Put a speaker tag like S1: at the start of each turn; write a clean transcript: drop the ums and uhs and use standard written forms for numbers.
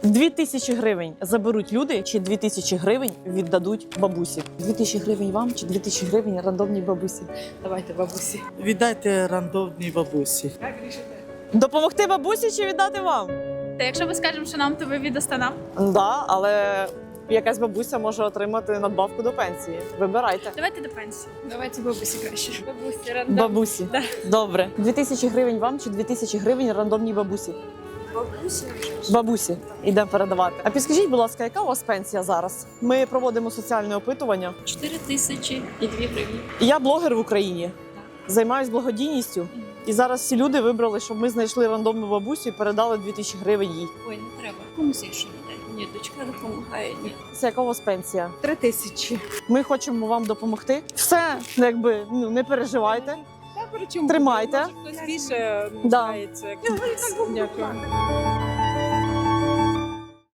S1: 2000 гривень заберуть люди, чи 2000 гривень віддадуть бабусі? 2000 гривень вам, чи 2000 гривень рандомній бабусі? Давайте бабусі.
S2: Віддайте рандомній бабусі.
S1: Допомогти бабусі чи віддати вам?
S3: Та якщо ми скажемо, що нам, то ви віддасте нам.
S1: Да, але якась бабуся може отримати надбавку до пенсії. Вибирайте.
S3: Давайте до пенсії. Давайте бабусі краще. Бабусі,
S1: Бабусі. Добре. 2000 гривень вам, чи 2000 гривень рандомній бабусі?
S3: Бабусі.
S1: Бабусі. Ідемо передавати. А підскажіть, будь ласка, яка у вас пенсія зараз? Ми проводимо соціальне опитування.
S3: 4002 гривні.
S1: Я блогер в Україні. Займаюсь благодійністю. І зараз всі люди вибрали, щоб ми знайшли рандомну бабусю і передали 2000 гривень їй.
S4: Ой, не треба. Комусь іншому дай. Ні, дочка допомагає. Ні.
S1: Це яка у вас пенсія?
S5: 3000.
S1: Ми хочемо вам допомогти. Все, якби, не переживайте.
S5: Та при чому?
S1: Тримайте.
S5: Може, хтось більше
S1: Да.
S5: нуждається. Дякую.